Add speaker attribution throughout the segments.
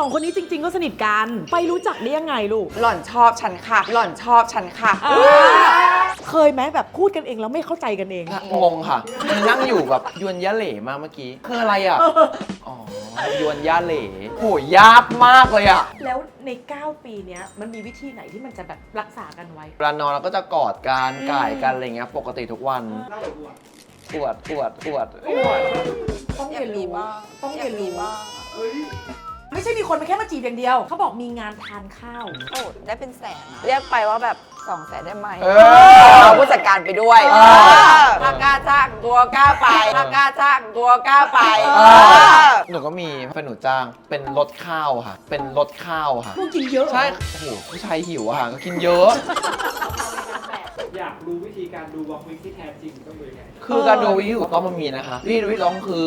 Speaker 1: องคนนี้จริงๆก็สนิทกันไปรู้จักได้ยังไงลูก
Speaker 2: หล่อนชอบฉันค่ะหล่อนชอบฉันค่ะ
Speaker 1: เคยไหมแบบพูดกันเองแล้วไม่เข้าใจกันเอง
Speaker 3: งงค่ะนั่งอยู่แบบยวนยะเหล่มาเมื่อกี้คืออะไรอ่ะอ๋อยวนยะเหล่โหยากมากเลยอ่ะ
Speaker 1: แล้วใน 9 ปีเนี้ยมันมีวิธีไหนที่มันจะแบบรักษากันไว้
Speaker 3: เวลานอนเราก็จะกอดกันก่ายกันอะไรเงี้ยปกติทุกวันปวด
Speaker 1: ต้องเรียนรู้ต้องเรียนรู้ไม่ใช่มีคนมาแค่มาจีบอย่างเดียวเขาบอกมีงานทานข้าว
Speaker 2: โอ้ได้เป็นแสนเรียกไปว่าแบบ200,000ได้ไหม
Speaker 3: เอา
Speaker 2: ผู้จัดการไปด้วยถ้ากล้าจ้างตัวกล้าไปถ้ากล้าจ้างตัวกล้าไป
Speaker 3: หนูก็มีแฟนหนูจ้างเป็นรถข้าวค่ะเป็นรถข้าวค่ะ
Speaker 1: พวกกินเยอะ
Speaker 3: ใช่โอ้โหผู้ชายหิวอะค่ะก็กินเยอะ
Speaker 4: อยากรู้วิธีการดูวอล์กวิกที่แท้จริงต้องดูยังไง
Speaker 3: คือการดูวิธีถูกต้องมันมีนะคะวิธีร้องคือ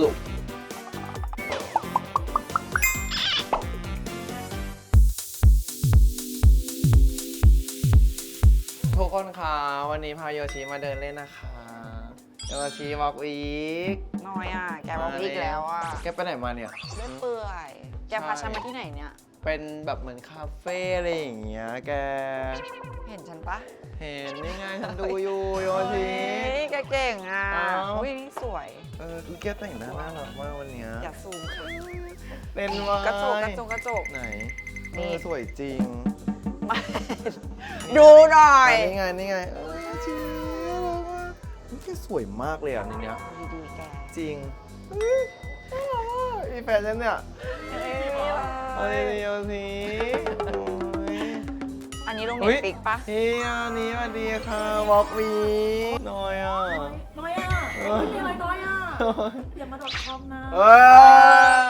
Speaker 3: ทุกคนคะวันนี้พาโยชิมาเดินเล่นนะคะโยชิวอล์กวีค
Speaker 2: น้อยอ่ะแกบอกอีกแล้วอ่ะ
Speaker 3: แกไปไหนมาเนี่ย
Speaker 2: เล่อยเปื่อยแกพาฉันมาที่ไหนเนี่ย
Speaker 3: เป็นแบบเหมือนคาเฟ่อะไรอย่างเงี้ยแก
Speaker 2: เห็นฉันปะ
Speaker 3: เห็นนี่ไงฉันดูอยู่โยชิ
Speaker 2: เฮ้ยแกเก่งอ่ะ
Speaker 3: อ้าว
Speaker 2: อุ้ยนี่สวย
Speaker 3: ดูแกแต่งหน้าน่ารักมากวันเนี้ย
Speaker 2: อย่าซูมค่ะ
Speaker 3: เป็นวาย
Speaker 2: กระจก
Speaker 3: ไหน
Speaker 2: นี่
Speaker 3: สวยจริง
Speaker 2: มาดูหน่อย
Speaker 3: นี่ไงจริงนี่แกสวยมากเลยอ่ะในเนี้ย
Speaker 2: ดีๆแก
Speaker 3: จริงมีแฟนฉันเนี่ยเฮ้ยโยชิโอ้ย
Speaker 2: อันนี้ลง
Speaker 3: เฮ้
Speaker 2: เน็
Speaker 3: ย
Speaker 2: ตฟิกปะ
Speaker 3: เฮียนี่สวัสดีค่ะวอล์กวีน้อยอ่ะ
Speaker 1: น้อยอ่ะไม่มีอะไรน้อยอ่ะอย่ามาดอทคอมนะ
Speaker 3: เอ้ย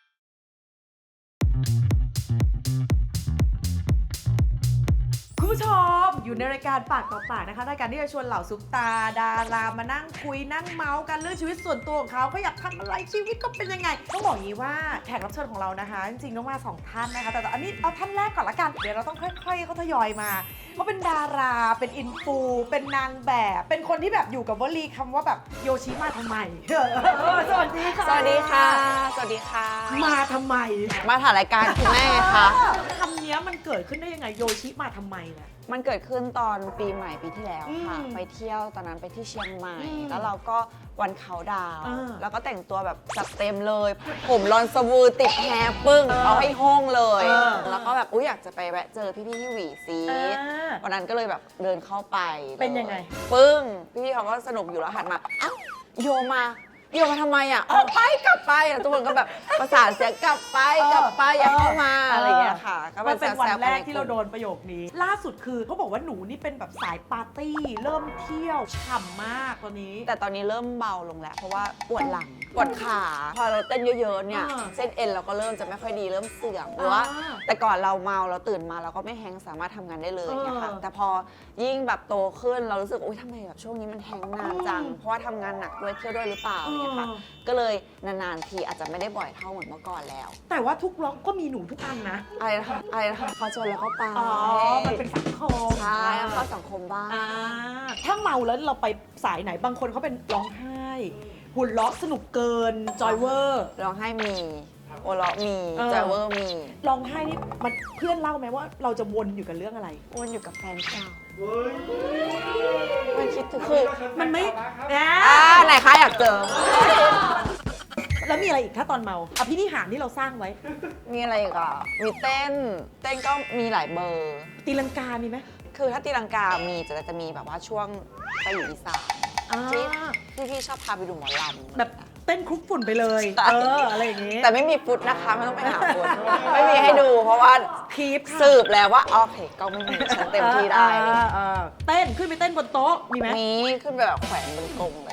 Speaker 1: คุณผู้ชมอยู่ในรายการปากต่อปากนะคะรายการที่จะชวนเหล่าซุปตาดารามานั่งคุยนั่งเมาส์กันเรื่องชีวิตส่วนตัวของเขาอยากทำอะไรชีวิตก็เป็นยังไงต้องบอกอย่างนี้ว่าแขกรับเชิญของเรานะคะจริงๆต้องมา2 ท่านนะคะแต่อันนี้เอาท่านแรกก่อนละกันเดี๋ยวเราต้องค่อยๆเขาทยอยมาเขาเป็นดาราเป็นอินฟูเป็นนางแบบเป็นคนที่แบบอยู่กับวลีคำว่าแบบโยชิมาทำไมสวัสดีค่ะ
Speaker 2: สวัสดีค่ะ สวัสดีค่ะ
Speaker 1: มาทำไม
Speaker 2: มาถ่ายรายการคุณแม่ค่ะ
Speaker 1: คำนี้มันเกิดขึ้นได้ยังไงโยชิมาทำไมเนี่ย
Speaker 2: มันเกิดขึ้นตอนปีใหม่ปีที่แล้วค่ะ
Speaker 1: อืม
Speaker 2: ไปเที่ยวตอนนั้นไปที่เชียงใหม่
Speaker 1: อืม
Speaker 2: แล้วเราก็วันเขาดาวน์
Speaker 1: อ่า
Speaker 2: แล้วก็แต่งตัวแบบจัดเต็มเลย ผมรอนสวูติดแฮร์ปึ้ง เอาให้ห้องเลย แล้วก็แบบอยากจะไปแวะเจอพี่ๆที่หวีซี วันนั้นก็เลยแบบเดินเข้าไป
Speaker 1: เป็นยังไง
Speaker 2: ปึ้ง พี่ๆเขาก็สนุกอยู่แล้วหันมาอ้าวโยมาทำไมอ่ะออกไปกลับไปแล้วทุกคนก็แบบประสานเสียงกลับไปอย่าเข้ามาอะไรอย่างเงี้ยค่ะก็
Speaker 1: มันเป็นวัน
Speaker 2: ซวๆ
Speaker 1: แรก
Speaker 2: ใ
Speaker 1: ที่เราโดนประโยคนี้ ล่าสุดคือเขาบอกว่าหนูนี่เป็นแบบสายปาร์ตี้ เริ่มเที่ยวฉ่ำมากตอนนี้
Speaker 2: แต่ตอนนี้เริ่มเบาลงแล้ว เพราะว่าปวดหลังปวดขาพอเราเต้นเยอะๆเนี่ย
Speaker 1: อ่า
Speaker 2: เส้นเอ็นเราก็เริ่มจะไม่ค่อยดีเริ่มเสื่อมหรือว่า แต่ก่อนเราเมาเราตื่นมาเราก็ไม่แฮงก์สามารถทำงานได้เลยเนี่ยค่ะแต่พอยิ่งแบบโตขึ้นเรารู้สึกอุ้ยทำไมแบบช่วงนี้มันแฮงก์นานจังเพราะว่าทำงานหนักด้วยเที่ยวด้วยหรือเปล่าเนี่ยค่ะก็เลยนานๆทีอาจจะไม่ได้บ่อยเท่าเหมือนเมื่อก่อนแล้ว
Speaker 1: แต่ว่าทุกล็อกก็มีหนูทุกอันนะ
Speaker 2: อะไรนะคะพอชวนแล้วก็ไป
Speaker 1: อ๋อ มันเป็นสังคม
Speaker 2: ใช่เข้าสังคมบ้าง
Speaker 1: อ่าถ้าเมาแล้วเราไปสายไหนบางคนเขาเป็นร้องไห้ หุ่นล้อสนุกเกิน จอยเวอร์
Speaker 2: ร้องไห้มีโอเราะมี
Speaker 1: เออ
Speaker 2: จอยเวอร์มี
Speaker 1: ร้องไห้นี่มันเพื่อนเล่าไหมว่าเราจะวนอยู่กับเรื่องอะไร
Speaker 2: วนอยู่กับแฟนเก่า
Speaker 4: เฮ้ย
Speaker 2: มันคิดถึงคือ
Speaker 1: มันไม่
Speaker 2: ไหนคะอยากเจอ
Speaker 1: แล้วมีอะไรอีกถ้าตอนเมาอภินิหารที่เราสร้างไว้
Speaker 2: มีอะไรอีกอ่ะ มีเต้นก็มีหลายเบอร์
Speaker 1: ตีลังกามีไหม
Speaker 2: คือถ้าตีลังกามีจะมีแบบว่าช่วงไปอยู่อีสาน
Speaker 1: อ่า
Speaker 2: ที่พี่ชอบพาไปดูหมอลำ
Speaker 1: แบบเต้นคลุกฝุ่นไปเลย
Speaker 2: ใช่
Speaker 1: อะไรอย่างงี้
Speaker 2: แต่ไม่มีฟุตนะคะไม่ต้องไปหาฟุต ไม่มีให้ดูเพราะว่า
Speaker 1: คีปค่ะ
Speaker 2: สืบแล้วว่าโอเคก็ไม่มีฉันเต็มที่ได้
Speaker 1: เต้นขึ้นไปเต้นบนโต๊ะมีไหม
Speaker 2: มีขึ้นไปแบบแขวนบนกรงเลย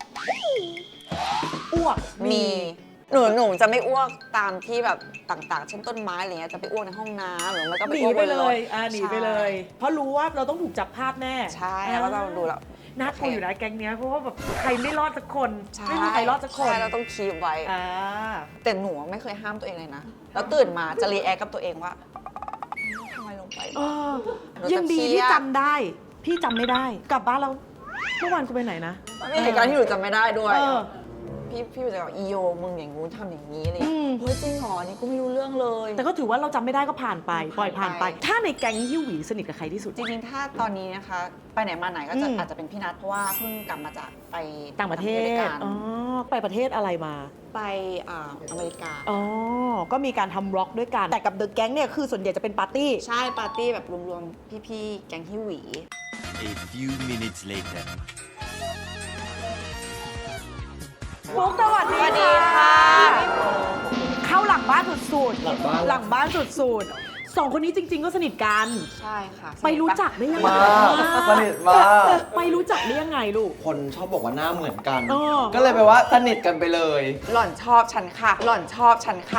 Speaker 1: อ้วก
Speaker 2: มีหนูจะไม่อ้วกตามที่แบบต่างๆ เช่นต้นไม้อะไรเงี้ยจะไปอ้วกในห้องน้ำหรือไม่ก็
Speaker 1: ห
Speaker 2: ไป
Speaker 1: นี
Speaker 2: อ้วก
Speaker 1: ไป
Speaker 2: บน
Speaker 1: เล
Speaker 2: รถ
Speaker 1: ยหนีไปเลย เพราะรู้ว่าเราต้องถูกจับภาพแน่
Speaker 2: ใช่แล้วก็เราดูแล้ว
Speaker 1: น่ากลัวอยู่นะแก๊งเนี้ยเพราะว่าแบบใครไม่รอดสักคน
Speaker 2: ใช่
Speaker 1: ไม่มีใครรอดสักคน
Speaker 2: ใช่เราต้องคีบไว้
Speaker 1: อ่า
Speaker 2: แต่หนูไม่เคยห้ามตัวเองเลยนะ แล้วตื่นมาจะรีแอคกับตัวเองว่าทำไมลงไป
Speaker 1: เออ
Speaker 2: หนูจะ
Speaker 1: ยังดี
Speaker 2: เครี
Speaker 1: ที่
Speaker 2: ยด
Speaker 1: จำได้ พี่จำไม่ได้ กลับบ้านเราเมื่อวานกูไปไหนนะ
Speaker 2: มีเหตุการณ์ที่หนูจำไม่ได้ด้วย
Speaker 1: เออ
Speaker 2: พี่จะบอกอีโยมึงอย่างงู้นทำอย่างนี้เลย
Speaker 1: อืม
Speaker 2: เฮ้ยจริงเหรอนี่กูไม่รู้เรื่องเลย
Speaker 1: แต่ก็ถือว่าเราจำไม่ได้ก็ผ่านไปปล่อยผ่านไป
Speaker 2: ผ่านไป
Speaker 1: ถ้าในแก๊งฮิวหวีสนิทกับใครที่สุด
Speaker 2: จริงๆ ถ้าตอนนี้นะคะ ไปไหนมาไหนก็จะ
Speaker 1: อืม
Speaker 2: อาจจะเป็นพี่นัทเพราะว่าเพิ่งกลับมาจากไป
Speaker 1: ต่างประเท
Speaker 2: ด้วย
Speaker 1: ศ
Speaker 2: กัน
Speaker 1: อ๋อไปประเทศอะไรมา
Speaker 2: ไปอเมริกา
Speaker 1: อ๋อก็มีการทำร็อกด้วยกันแต่กับเดอะแก๊งเนี่ยคือส่วนใหญ่จะเป็นปาร์ตี้
Speaker 2: ใช่ปาร์ตี้แบบรวมๆ พี่ๆ แก๊งฮิวหวี
Speaker 5: A few minutes later.
Speaker 1: ฟุ๊กสวัสดี
Speaker 2: สวัสดีค่ะ
Speaker 1: เข้าหลังบ้านสุดๆ
Speaker 3: หลังบ้าน
Speaker 1: หลังบ้านสุดๆสองคนนี้จริง ๆ ก็สนิทกัน
Speaker 2: ใช่ค่ะ
Speaker 1: ไปรู้จักได้ยังไง
Speaker 3: มากสนิทมาก
Speaker 1: ไปรู้จักได้ยังไงลูก
Speaker 3: คนชอบบอกว่าหน้าเหมือนกัน
Speaker 1: เออ
Speaker 3: ก็เลยแปลว่าสนิทกันไปเลย
Speaker 2: หล่อนชอบฉันค่ะ หล่อนชอบฉันค่ะ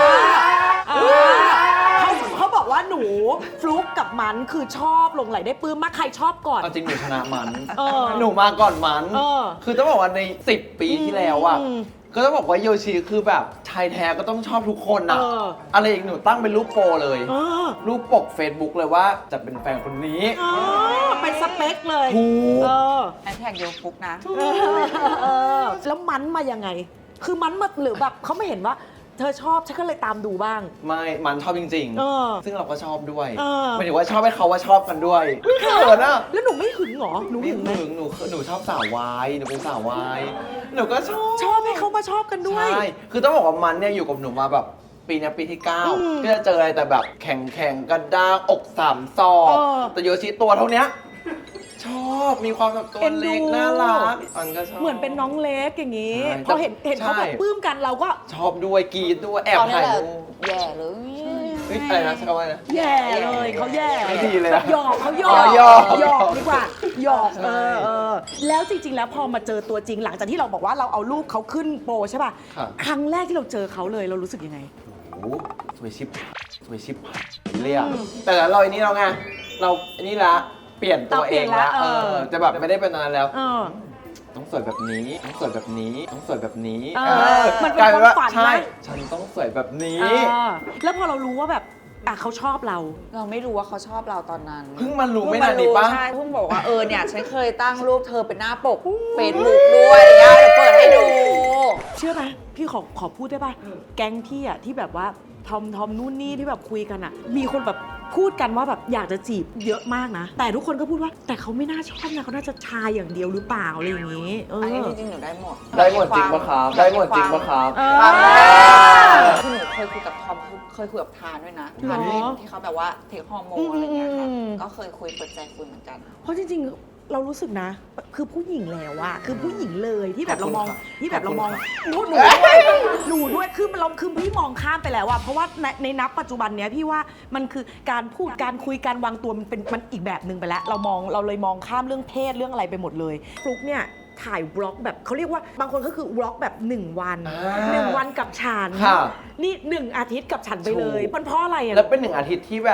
Speaker 1: เขาบอกว่าหนูฟลุกกับมันคือชอบหลงไหลได้ปลื้มมากใครชอบก่อน
Speaker 3: เอาจริงหนูชนะมัน
Speaker 1: เออ
Speaker 3: หนูมาก่อนมัน
Speaker 1: เออ
Speaker 3: คือต้องบอกว่าใน 10 ปีที่แล้วอ่ะ
Speaker 1: อืม
Speaker 3: ก็ต้องบอกว่าโยชิคือแบบชายแท้ก็ต้องชอบทุกคนอ่ะ
Speaker 1: เออ
Speaker 3: อะไรอีกหนูตั้งเป็นรูปโปรเลย
Speaker 1: เออ
Speaker 3: รูปปก Facebook เลยว่าจะเป็นแฟนคนนี้
Speaker 1: อ๋อเป็นสเปคเลย
Speaker 3: ถูก
Speaker 1: เออ
Speaker 2: แฮชแท็กโยฟุกนะ
Speaker 1: เออแล้วมันมายังไง คือมันมาหรือแบบเขาไม่เห็นว่า เธอชอบฉันก็เลยตามดูบ้าง
Speaker 3: ไม่มันชอบจริง
Speaker 1: เออ
Speaker 3: ซึ่งเราก็ชอบด้วย
Speaker 1: เออ
Speaker 3: หมายถึงว่าชอบให้เขาว่าชอบกันด้วยไม่เขินอ่ะ
Speaker 1: แล้วหนูไม่หึงเหรอหนู
Speaker 3: ไม่
Speaker 1: หึงไหม
Speaker 3: ถึงหนูชอบสาววายหนูเป็นสาววายหนูก็ชอบ
Speaker 1: ชอบให้เขามาชอบกันด้วย
Speaker 3: ใช่คือต้องบอกว่ามันเนี่ยอยู่กับหนูมาแบบปีเนี้ยปีที่
Speaker 1: อืม
Speaker 3: 9ก็จะเจออะไรแต่แบบแข็งกระด้างอก3 ศอก
Speaker 1: เออ
Speaker 3: แต่โยชิตัวเท่าเนี้ยชอบมีความแบบตัว
Speaker 1: เอ็นดู
Speaker 3: เล็กน่ารักมันก็ชอบ
Speaker 1: เหมือนเป็นน้องเล็กอย่างนี้
Speaker 3: ใช่
Speaker 1: พอเห็นเขาแบบ
Speaker 3: ใช่
Speaker 1: ปลื้มกันเราก็
Speaker 3: ชอบด้วยกรีดด้วยแอบ
Speaker 2: ตอนนี้
Speaker 3: ถ่าย
Speaker 2: แหละ
Speaker 3: รูป
Speaker 2: แย่เลย
Speaker 3: เฮ้ยอะไรนะใช่คำว่าอะไรนะ
Speaker 1: แย่เลยเขาแย่
Speaker 3: ไม่ดีเลยอะ
Speaker 1: หยอกเขาหยอ
Speaker 3: อ๋
Speaker 1: ก
Speaker 3: อหยอก
Speaker 1: หยอกดีกว่าหยอก
Speaker 3: ใช่
Speaker 1: แล้วจริง ๆ แล้วพอมาเจอตัวจริงหลังจากที่เราบอกว่าเราเอารูปเขาขึ้นโปรใช่ป่ะ
Speaker 3: ครับ
Speaker 1: ครั้งแรกที่เราเจอเขาเลยเรารู้สึกยังไง
Speaker 3: โอ้โหสวยชิบเลยอะแต่เราอันนี้เราไงเราอันนี้ละเปลี่ยนตัวเองละ
Speaker 1: เราเปลี่ยนละเออ
Speaker 3: จะแบบไม่ได้เป็นนานแล้ว
Speaker 1: เออ
Speaker 3: ต้องสวยแบบนี้ ต้องสวยแบบนี้ ต้องสวยแบบนี้
Speaker 1: เออมันเป็น
Speaker 3: กลยว่า
Speaker 1: ความฝันนะ
Speaker 3: ใช่ ฉันต้องสวยแบบนี้
Speaker 1: แล้วพอเรารู้ว่าแบบเขาชอบเรา
Speaker 2: เราไม่รู้ว่าเขาชอบเราตอนนั้น
Speaker 3: เพิ่งมารู้ไม่นานนี้ปะ
Speaker 2: ใช่เพิ่งบอกว่าเนี่ยฉันเคยตั้งรูปเธอเป็นหน้าปกเฟซบุ๊กด้วยเดี๋ยวเปิดให้ดู
Speaker 1: เชื่อไหมพี่ขอพูดได้ป่ะ แก๊งพี่อะที่แบบว่าทอมนู่นนี่ที่แบบคุยกันอะมีคนแบบพูดกันว่าแบบอยากจะจีบเยอะมากนะ แต่ทุกคนก็พูดว่าแต่เขาไม่น่าชอบนะเขาน่าจะชายอย่างเดียวหรือเปล่าอะไรอย่างนี้
Speaker 2: อันนี้จริงๆหนูได้หมด
Speaker 3: ได้หมดจริงปะครับ ได้หมดจริงปะครับ
Speaker 2: ความคือหนูเคยคุยกับทอมเคยคุยกับทานด้วยนะทานที่เขาแบบว่าเทคฮอร์โมนอะไรเงี้ยค่ะก็เคยคุยเปิดใจคุยเหมือนกัน
Speaker 1: เพราะจริงๆ เรารู้สึกนะ คือผู้หญิงแล้วอะคือผู้หญิงเลยที่แบบเรามอง
Speaker 3: ขอบคุณค่ะ
Speaker 1: ที่แบบเรามอง
Speaker 3: ขอบคุณค่ะ
Speaker 1: หนูด้วยคือเราคือพี่มองข้ามไปแล้วอะเพราะว่าในนับปัจจุบันเนี้ยพี่ว่ามันคือการพูดการคุยการวางตัวมันอีกแบบหนึ่งไปแล้วเราเลยมองข้ามเรื่องเพศเรื่องอะไรไปหมดเลยฟลุกเนี่ยถ่ายบล็อกแบบเขาเรียกว่าบางคนก็คือบล็อกแบบ1 วัน 1 วันกับฉัน
Speaker 3: ค่ะ
Speaker 1: นี่1 อาทิตย์กับฉันไปเลย
Speaker 3: ถูก
Speaker 1: มันเพราะอะไรอะ
Speaker 3: แล้วเป็น1 อาทิตย์ที่แบบ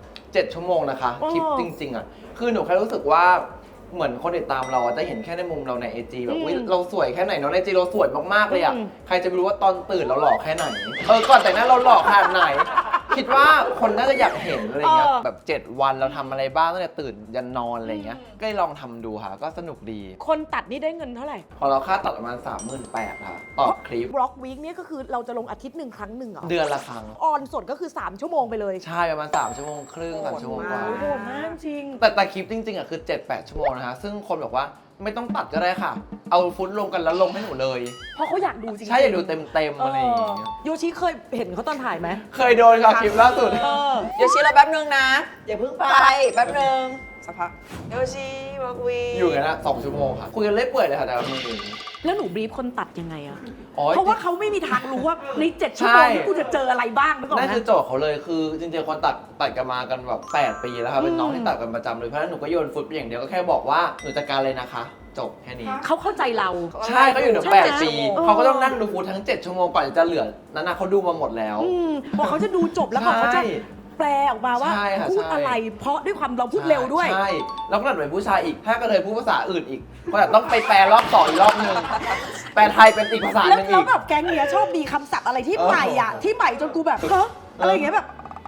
Speaker 3: 7 ชั่วโมงนะคะ
Speaker 1: อ๋อ
Speaker 3: คลิปจริง ๆอ่ะ คือหนูแค่รู้สึกว่าเหมือนคนติดตามเราอะจะเห็นแค่ในมุมเราในไอจีแบบอุ๊ยเราสวยแค่ไหนเนาะในไอจีเราสวยมากๆเลยอ่ะ ใครจะไปรู้ว่าตอนตื่นเราหล่อแค่ไหน ก่อนแต่งหน้าเราหล่อขนาดไหน คิดว่าคนน่าจะอยากเห็นอะไรเงี้ย แบบ 7 วันเราทำอะไรบ้างตั้งแต่ตื่นยันนอนอะไรเงี้ย ก็เลยลองทำดูค่ะ ก็สนุกดี
Speaker 1: คนตัดนี่ได้เงินเท่าไหร่
Speaker 3: พอเราค่าตัดประมาณ 38,000ค่ะต่อคลิป
Speaker 1: บล็อกวีคเนี่ยก็คือเราจะลงอาทิตย์หนึ่งครั้งหนึ่งเหรอ
Speaker 3: เดือนละครั้ง
Speaker 1: ออนสดก็คือ 3 ชั่วโมงไปเลย
Speaker 3: ใช่ประมาณ3 ชั่วโมงครึ่ง3 ชั่วโมงกว่า
Speaker 1: โอ้โหมากจริง
Speaker 3: แต่คลิปจริงๆอ่ะคือ 7-8 ชั่วโมงนะคะ ซึ่งคนบอกว่าไม่ต้องตัดก็ได้ค่ะ เอาฟุตลงกันแล้วลงให้หนูเลย
Speaker 1: เพราะเขาอยากดูจริงๆ
Speaker 3: ใช่อยากดูเต็มๆอะไรอย่างเงี้ย
Speaker 1: โยชิเคยเห็นเขาตอนถ่ายไหม
Speaker 3: เคยโดนค่ะคลิปล่าสุด
Speaker 2: โยชิเราแป๊บนึงนะ
Speaker 1: อย่าเพิ่งไป
Speaker 2: ไปแป๊บนึงสักพักโยชิวักวี
Speaker 3: อยู่กันนะ2 ชั่วโมงค่ะ คุยกันเล่อยเปื่อยเลยค่ะแต่ละมือ
Speaker 1: แล้วหนูบรีฟคนตัดยังไงอะ
Speaker 3: อ๋อ
Speaker 1: เพราะว่าเขาไม่มีทางรู้ว่าใน 7 ชั่วโมงที่กูจะเจออะไรบ้างนึกออก
Speaker 3: นั่น
Speaker 1: ไหม
Speaker 3: คือโจทย์เขาเลยคือจริงๆคนตัดกันมากันแบบ8 ปีแล้วค่ะเป็นน้องที่ตัดกันประจำเลยเพราะฉะนั้นหนูก็โยนฟุตไปอย่างเดียวก็แค่บอกว่าหนูจัดการเลยนะคะ จบแค่นี้
Speaker 1: เขาเข้าใจเรา
Speaker 3: ใช่เขาอยู่ถึง
Speaker 1: ใช่ไหม
Speaker 3: 8 ปี
Speaker 1: เออ
Speaker 3: เขาก็ต้องนั่งดูฟุตทั้ง 7 ชั่วโมงก่อนจะเหลือนั้นนะเขาดูมาหมดแล้ว
Speaker 1: พอเขาจะดูจบแล้วพอเขาจะ
Speaker 3: ใช่
Speaker 1: แปลออกมาว่า
Speaker 3: ใช่ค่ะ
Speaker 1: พูด
Speaker 3: ใช่
Speaker 1: อะไร เพราะด้วยความเราพูดเร็วด้วย
Speaker 3: ใช่ แล้วก็หลังเป็นผู้ชายอีก ถ้ากระเทยพูดภาษาอื่นอีก ก็แบบต้องไปแปลรอบ2อีกรอบนึง แปลไทยเป็นอีกภาษาห
Speaker 1: แล้ว
Speaker 3: นึง
Speaker 1: แล้
Speaker 3: อี
Speaker 1: ว
Speaker 3: ก
Speaker 1: แบบแก๊งเนี้ยชอบมีคำศัพท์อะไรที่ใหม่อ่ะที่ใหม่จนกูแบบเฮ้อะไรอย่างเงี้ยแบบ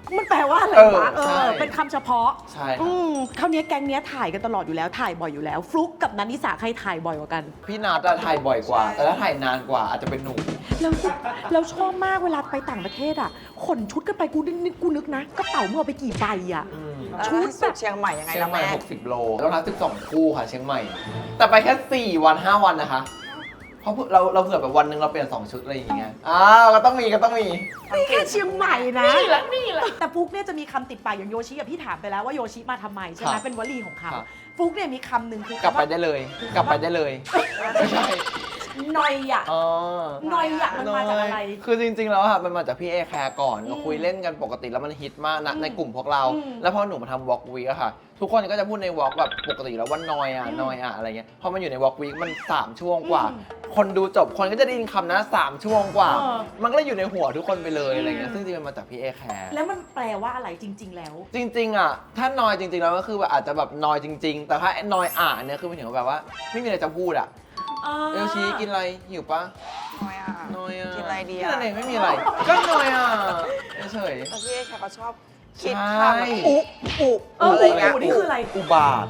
Speaker 1: มันแปลว่าอะไรวะ
Speaker 3: ใช่
Speaker 1: เป็นคำเฉพาะ
Speaker 3: ใช่ครับ
Speaker 1: คราวนี้แก๊งเนี้ยถ่ายกันตลอดอยู่แล้วถ่ายบ่อยอยู่แล้ว ฟลุกกับนันนิสาใครถ่ายบ่อยกว่ากัน
Speaker 3: พี่นาจะถ่ายบ่อยกว่า แต่ถ้าถ่ายนานกว่าอาจจะเป็นหนู
Speaker 1: แล้วชอบมากเวลาไปต่างประเทศอ่ะขนชุดกันไปกูนึกนะกระเป๋ามึงเอาไปกี่ใบอ่ะ ชุด
Speaker 2: สุดเชียงใหม่ยังไง
Speaker 3: เชีย
Speaker 2: ล่ะ
Speaker 3: งใหม่
Speaker 2: แม่
Speaker 3: 60 โล แล้วนะ12 คู่ค่ะเชียงใหม่ แต่ไปแค่ 4 วัน 5 วันนะคะ เพราะเราเผื่อแบบวันหนึ่งเราเปลี่ยน 2 ชุดอะไรอย่างเงี้ยก็ต้องมี
Speaker 1: นี่แค่เชียงใหม่นะนี่แหละแต่ฟุกเนี่ยจะมีคำติดปากอย่างโยชิกับพี่ถามไปแล้วว่าโยชิมาทำไมใช่ไหม
Speaker 3: ครับ
Speaker 1: เป็นวลีของเขา
Speaker 3: ครับ
Speaker 1: ฟุกเนี่ยมีคำหนึ่งคือก
Speaker 3: ลับไปได้เลย กลับไปได้เลย ไม่ใช่
Speaker 1: นอยอ่ะ
Speaker 3: อ๋อน
Speaker 1: อยอ่ะมันมาจากอะไร
Speaker 3: คือจริงๆแล้วอะมันมาจากพี่เอแคร์ก่อนเราคุยเล่นกันปกติแล้วมันฮิตมากนะในกลุ่มพวกเรา แล้วพอหนูมาทำวอล์กวีอะค่ะ ทุกคนก็จะพูดในวอล์กแบบปกติแล้วว่านอยอะอะไรเงี้ยพอมันอยู่ในวอล์กวีมัน3 ช่วงกว่า คนดูจบคนก็จะได้ยินคำนั้น3 ช่วงกว่า มันก็เลยอยู่ในหัวทุกคนไปเลยอะไรเงี้ยซึ่งจริงๆมันมาจากพี่เอแคร์
Speaker 1: แล้วมันแปลว่าอะไรจริง ๆ แล้ว
Speaker 3: จริงๆอะถ้านอยจริงๆแล้วก็คือแบบอาจจะแบบนอยจริง ๆ แต่ถ้านอยเนี่ยคือเป็นถึงแบบว่าไม่มีอะไรจะพูดอะเอลชีกินอะไรหิวปะ
Speaker 2: น้อยอ่ะ
Speaker 3: นอยอะ
Speaker 2: กินอะไรดีอะ
Speaker 3: นั่นเองไม่มีอะไร ก็นอยอะเฉย
Speaker 2: แล้วพี่เอแคร์เขาชอบคิด
Speaker 3: ใช่
Speaker 2: คำแบบอุ
Speaker 1: อะไรเงี้ย
Speaker 2: อุ
Speaker 1: นี่คืออะไร
Speaker 3: อุบาท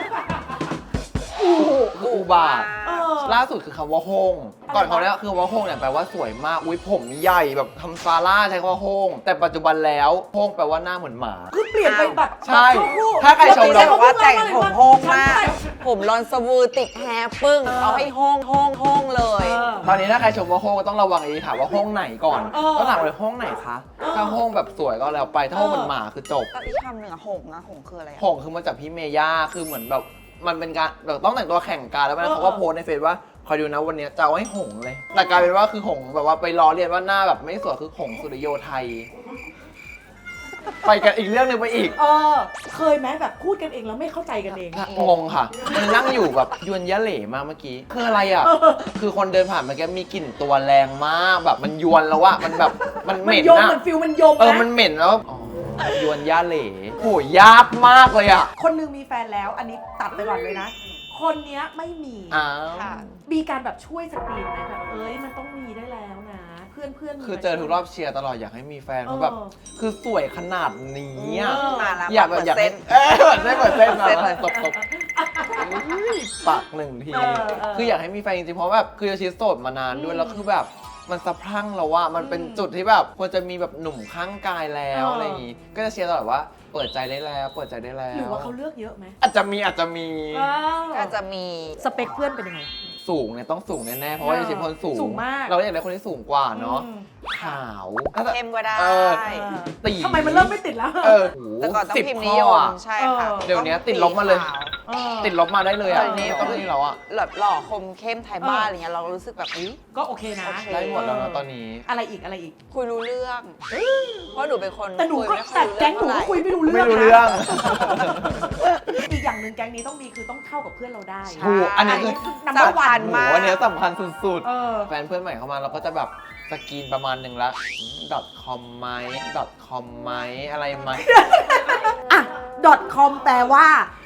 Speaker 3: อุบาท
Speaker 1: เออ
Speaker 3: ล่าสุดคือคำว่าโฮงก่อนเขาเนี่ยคือว่าโฮงเนี่ยแปลว่าสวยมากอุ้ยผมใหญ่แบบทำซาร่าใช้คำว่าโฮงแต่ปัจจุบันแล้วโฮงแปลว่าหน้าเหมือนหมา
Speaker 1: คือเปลี่ยนไปแบบ
Speaker 3: ใช่
Speaker 1: แบบชั่ววูบ
Speaker 3: ถ้าใครชม
Speaker 2: เราบอกว่าแต่งผมโฮงมาก
Speaker 1: ฉัน
Speaker 2: ผมรอนสวูติดแฮร์ปึ้ง เอาให้โฮงเลย
Speaker 3: ตอนนี้ถ้าใครชมว่าโฮงก็ต้องระวังถามว่าโฮงไหนก่อน
Speaker 1: เออ
Speaker 3: ต้องถามเลยโฮงไหนคะถ้าโฮงแบบสวยก็แล้วไปถ้าโฮงเหมือนหมาคือจบ
Speaker 2: แล้วอีกคำหนึ่งอะหงคืออะไรอะ
Speaker 3: หงคือมาจากพี่เมย่าคือเหมือนแบบมันเป็นการแบบต้องแต่งตัวแข่งกันแล้วมันเขาก็โพสต์ในเฟซว่าคอยดูนะวันนี้จะเอาให้หงเลยแต่กลายเป็นว่าคือหงแบบว่าไปล้อเลียนว่าหน้าแบบไม่สวยคือหงสุริโยไทย ไปกันอีกเรื่องหนึงไปอีก
Speaker 1: เคยไหมแบบพูดกันเองแล้วไม่เข้าใจกันเอง
Speaker 3: งงค่ะ มันนั่งอยู่แบบยวนยะเหล่มากเมื่อกี้คืออะไรอ่ะ คือคนเดินผ่านเมื่อกี้มีกลิ่นตัวแรงมากแบบมันยวนแล้วอะมันแบบมันเห
Speaker 1: มัน
Speaker 3: ม็น
Speaker 1: ยม
Speaker 3: อะ
Speaker 1: มันฟิลมันยม
Speaker 3: มัน
Speaker 1: นะ
Speaker 3: เหม็นแล้วอ๋อยวนยะเหล่โหยากมากเลยอะ
Speaker 1: คนหนึงมีแฟนแล้วอันนี้ตัดไปก่อนเลยนะ คนเนี้ยไม่มี
Speaker 3: อ้าว
Speaker 2: ค่ะ
Speaker 1: มีการแบบช่วยสกรีนไหมแบบมันต้องมีได้แล้วนะ เพื่อนๆมี
Speaker 3: คือเจอทุกรอบเชียร์ตลอดอยากให้มีแฟนเพราะแบบ
Speaker 1: เออ
Speaker 3: คือสวยขนาดนี้อะ
Speaker 2: มาแล้ว
Speaker 3: อยากแบบอยาก
Speaker 2: เปิ
Speaker 3: ให้
Speaker 2: ดเส้น
Speaker 3: เปิดเส้นมา
Speaker 2: เปิดเส้นเลย
Speaker 3: ตบปากหนึ่งที คืออยากให้มีแฟนจริงๆเพราะแบบคือโยชิโสดมานานด้วยแล้วคือแบบมันสะพรั่งแล้วว่ามันเป็นจุดที่แบบควรจะมีแบบหนุ่มข้างกายแล้วอะไรอย่างงี้ ก็จะเชียร์ตลอดว่าเปิดใจได้แล้วเปิดใจได้แล้ว
Speaker 1: หรือว่าเขาเลือกเยอะไหม
Speaker 3: อาจจะมี
Speaker 2: ก็จะมี
Speaker 1: สเปคเพื่อนเป็นยังไง
Speaker 3: สูงเนี่ยต้องสูงแน่ๆเพราะว่าโยชิเป็นคนสูง
Speaker 1: สูงมาก
Speaker 3: เราอยากได้คนที่สูงกว่าเนาะ
Speaker 1: อืม
Speaker 3: ขาว
Speaker 2: เข้มก็ได้
Speaker 3: เออ ตี
Speaker 1: ทำไมมันเริ่มไม่ติดแล้ว
Speaker 3: เออ
Speaker 2: แต่ก่อนต้อง
Speaker 3: 10
Speaker 2: พิมพ์
Speaker 3: ข้
Speaker 2: นิย
Speaker 3: อ
Speaker 2: ม
Speaker 3: อะ
Speaker 2: ใช่ค่ะ
Speaker 3: เดี๋ยวนี้ติดลบมาเลย
Speaker 1: เออ
Speaker 3: ติดลบมาได้เลยอ่ะ
Speaker 2: ตอนนี้
Speaker 3: ต้องนี่แล้วอ่ะ
Speaker 2: แบบหล่อคมเข้มไทยบ้านอะไรเงี้ยเรารู้สึกแบบอุ๊ย
Speaker 1: ก็โอเคนะ
Speaker 2: โอเค
Speaker 3: ได้หมดแล้วนะตอนนี้
Speaker 1: อะไรอีก
Speaker 2: คุยรู้เรื่อง เพราะหนูเป็นคน
Speaker 1: แต่หนูก็
Speaker 2: ยไม่ค่
Speaker 1: แต่
Speaker 2: อยรู้
Speaker 1: แก๊งหนู
Speaker 2: เท่า
Speaker 1: ก็
Speaker 2: ไ
Speaker 1: คุยไม่รู้
Speaker 3: ไม่
Speaker 1: เรื่อง
Speaker 3: รู้
Speaker 1: นะ
Speaker 3: เรื่อง
Speaker 1: อีกอย่างหนึ่งแก๊งนี้ต้องมีคือต้องเข้ากับเพื่อนเราได้
Speaker 2: ใช่
Speaker 3: ถูกอันนี้คือ
Speaker 1: นัมเบอร์วั
Speaker 2: สำคั
Speaker 1: น
Speaker 2: ญ
Speaker 3: โห
Speaker 2: มาก
Speaker 3: อันเนี้ยสำคัญสุด
Speaker 1: เออ
Speaker 3: ๆ แฟนเพื่อนใหม่เข้ามาเราก็จะแบบสกรีนประมาณหนึ่งละ .com ไหม .com ไหมอะไรไหม
Speaker 1: อ่ะ .com แปลว่า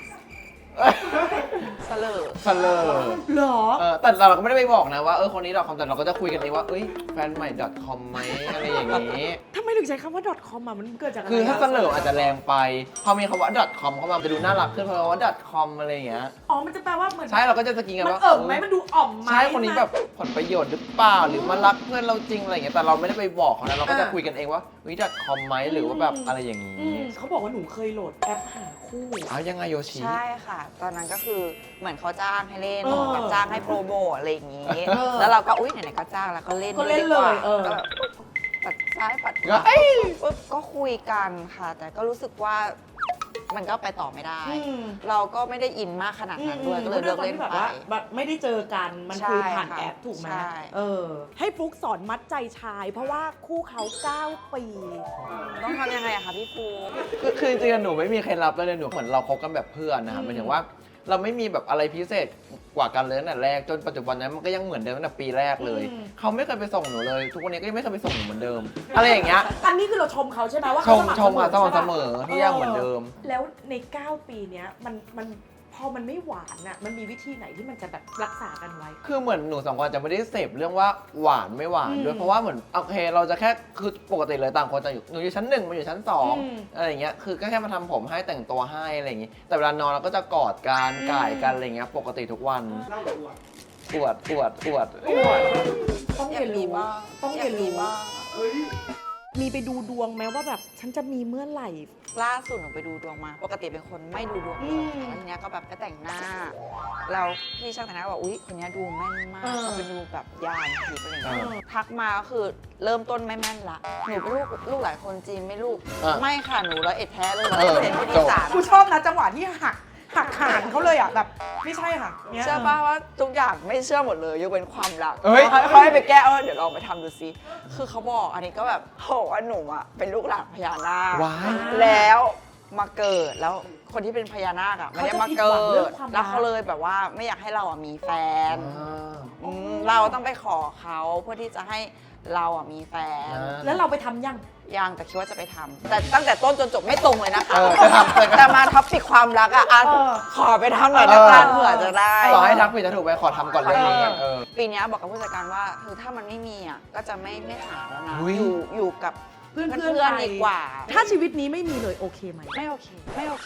Speaker 2: เสลอ
Speaker 3: เสลอ
Speaker 1: เหรอ
Speaker 3: แต่เราก็ไม่ได้ไปบอกนะว่าคนนี้ .com แต่เราก็จะคุยกันเองว่าเอ้ยแฟนใหม่ .com ไหมอะไรอย่างนี้
Speaker 1: ทำไมถึงใช้คำว่า .com อ่ะมันเกิดจากอะไร
Speaker 3: คือถ้าเสลออาจจะแรงไป พอมีคำว่า .com เข้ามาจะดูน่ารักขึ้นเพราะว่า .com อะไรอย่างเงี้ย
Speaker 1: อ๋อ มันจะแปลว่าเหมือน
Speaker 3: ใช่เราก็จะสกรีนกัน
Speaker 1: มัน
Speaker 3: ว่า
Speaker 1: ไหมมันดูอ่อมไหม
Speaker 3: ใช่คนนี้แบบผลประโยชน์หรือเปล่าหรือมารักเพื่อนเราจริงอะไรอย่างเงี้ยแต่เราไม่ได้ไปบอกเขานะเราก็จะคุยกันเองว่าวิดคอมไหมหรือว่าแบบอะไรอย่างนี้
Speaker 1: เขาบอกว่าหนูเคยโหลดแอปหาคู่
Speaker 3: อ้าวยังไงโยชิ
Speaker 2: ใช่ค่ะ ตอนนั้นก็คือเหมือนเขาจ้างให้เล่น
Speaker 1: เออ
Speaker 2: แบบจ้างให้โปรโมทอะไรอย่างนี้
Speaker 1: เออ
Speaker 2: แล้วเราก็อุ้ยไหนๆก็จ้างแล้วก็เล่น
Speaker 1: ก็เล่น
Speaker 2: ดีกว่า
Speaker 1: เลยเออ
Speaker 2: ก็แบบปัดซ้ายปัดข
Speaker 3: ก็
Speaker 2: วาปุ๊บก็คุยกันค่ะ แต่ก็รู้สึกว่ามันก็ไปต่อไม่ได้ เราก็ไม่ได้อินมากขนาดนั้นด้วยก็เลยเลิกเล่น
Speaker 1: แบบ
Speaker 2: ไป
Speaker 1: ว่าแบบไม่ได้เจอกันมันคุยผ่าน
Speaker 2: ใช่ค่ะ
Speaker 1: แอปถูกไหม
Speaker 2: ใช่
Speaker 1: ให้ฟลุกสอนมัดใจชาย เพราะว่าคู่เขา 9 ปี
Speaker 2: ต้องทำยังไงอะคะพี่ฟู
Speaker 3: คือจริงๆหนูไม่มีเคล็ดลับเลยหนูเหมือนเราคบกันแบบเพื่อนนะครับหมายถึงว่าเราไม่มีแบบอะไรพิเศษกว่ากันเลยตั้งแต่แรกจนปัจจุบันนั้นมันก็ยังเหมือนเดิมตั้งแต่ปีแรกเลย เขาไม่เคยไปส่งหนูเลย ทุกวันนี้ก็ยังไม่เคยไปส่งหนูเหมือนเดิม อะไรอย่างเงี้ย
Speaker 1: อันนี้คือเราชมเขาใช่ไหมว่า
Speaker 3: ช
Speaker 1: เขา
Speaker 3: ม
Speaker 1: สม่ำ
Speaker 3: ชมมา
Speaker 1: ใช่ปะ
Speaker 3: เสมอทุกอย่างเหมือนเดิม
Speaker 1: แล้วใน 9 ปีเนี้ยมันพออมันไม่หวานอ่ะมันมีวิธีไหนที่มันจะแบบรักษากันไว้
Speaker 3: คือเหมือนหนูสองคนจะไม่ได้เสพเรื่องว่าหวานไม่หวานด้วยเพราะว่าเหมือนโอเคเราจะแค่คือปกติเลยต่างคนต่างอยู่หนูอยู่ชั้น 1มันอยู่ชั้น 2อะไรอย่างเงี้ยคือก็แค่มาทำผมให้แต่งตัวให้อะไรอย่างงี้แต่เวลานอนเราก็จะกอดกันก่ายกันอะไรเงี้ยปกติทุกวัน
Speaker 4: เล่าหรืออวด
Speaker 3: อวด
Speaker 1: ต้องเรียนรู้ต้องเรียนรู้
Speaker 2: บ้าง
Speaker 4: เฮ้ย
Speaker 1: มีไปดูดวงไหมว่าแบบฉันจะมีเมื่อไหร่
Speaker 2: ล่าสุดหนูไปดูดวงมา ปกติเป็นคนไม่ดูดวงเลยแล้วทีเนี้ยก็แบบไปแต่งหน้า แล้วพี่ช่างแต่งหน้าก็บอกอุ๊ยคนเนี้ยดูแม่นมาก
Speaker 1: เออ
Speaker 2: เขาไปดูแบบยานผิดอะไรอย่าง
Speaker 3: เอ
Speaker 2: เงี้ย
Speaker 3: อ
Speaker 2: ทักมาก็คือเริ่มต้นไม่แม่นละ หนูเป็นลูกหลายคนจีนไม่ลูก
Speaker 3: อ่ะ
Speaker 2: ไม่ค่ะหนูร้อยเอ็ดแท้เลย
Speaker 3: เออ
Speaker 2: 100%ผู้
Speaker 3: จ
Speaker 2: ดี
Speaker 3: บ
Speaker 2: สาร
Speaker 1: กูชอบนะจังหวะที่หักหานเขาเลยอ่ะแบบไม่ใช่ค่ะนี่ย
Speaker 2: เชื่อป่ะว่าทุกอย่างไม่เชื่อหมดเลยยกเว้นความรัก
Speaker 3: เอ้ย
Speaker 2: เขาให้ไปแก้เดี๋ยวลองไปทำดูซิ คือเขาบอกอันนี้ก็แบบเขาบอกว่าหนูอะเป็นลูกหลานพญานาค
Speaker 3: ว้าย
Speaker 2: แล้วมาเกิดแล้วคนที่เป็นพญานาคอะไม่ได้มาเกิ
Speaker 1: เขาจะผิดหวังเรื่อ
Speaker 2: ด
Speaker 1: งความรัก
Speaker 2: แล้วเขาเลยแบบว่าไม่อยากให้เราอะมีแฟน เราต้องไปขอเขาเพื่อที่จะให้เราอะมีแฟน
Speaker 1: แล้วเราไปทำยัง
Speaker 2: ยังแต่คิดว่าจะไปทำแต่ตั้งแต่ต้นจนจบไม่ตรงเลยนะคะ
Speaker 3: เออจะทำ
Speaker 2: แต่มาท็อปปิกความรักอะอ่ะ
Speaker 1: เออ
Speaker 2: ขอไปทำหน่อยละกันเผื่อจะได้
Speaker 3: ต่อให้ทักผิดจะถูกไปขอทำก่อนเรื่องนี้เออ
Speaker 2: ปีเนี้ยบอกกับผู้จัดการว่าคือถ้ามันไม่มีอ่ะก็จะไม่หาแล้วนะ
Speaker 3: อุ๊ย
Speaker 2: อยู่กับ
Speaker 1: เพื่อน
Speaker 2: เพื่อนๆดีกว่า
Speaker 1: ถ้าชีวิตนี้ไม่มีเลยโอเคไหม
Speaker 2: ไม่โอเคไม่โอเค